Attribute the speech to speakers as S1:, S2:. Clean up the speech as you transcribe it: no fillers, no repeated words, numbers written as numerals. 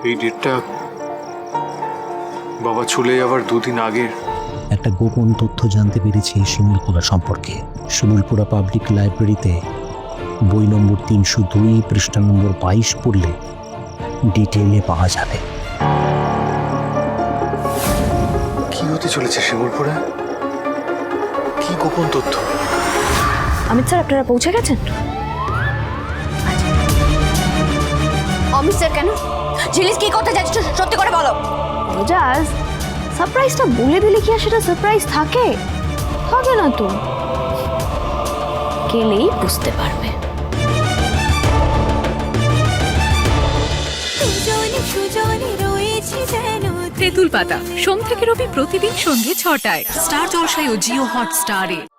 S1: এই ডেটটা বাবা চলে যাওয়ার দুদিন আগের।
S2: একটা গোপন তথ্য জানতে পেরেছি শিমুলপুরা সম্পর্কে। শিমুলপুরা পাবলিক লাইব্রেরিতে বই নম্বর 302 পৃষ্ঠা নম্বর 22 পড়লে ডিটেইলে পাওয়া যাবে।
S1: কি হতে চলেছে শিমুলপুরা? কি গোপন তথ্য?
S3: অমিত স্যার, আপনারা পৌঁছে গেছেন?
S4: অমিত স্যার কেন? ঝিলিস কি করতে যাচ্ছ সত্যি করে বলো।
S3: রোজাজ, সারপ্রাইজটা বলে দিলে কি আর সেটা সারপ্রাইজ থাকে? থাকে না তো, গেলেই বুঝতে পারবে।
S5: তেঁতুল পাতা সোম থেকে রবি প্রতিদিন সন্ধ্যে 6টায় স্টার জলসায় ও জিও হটস্টারে।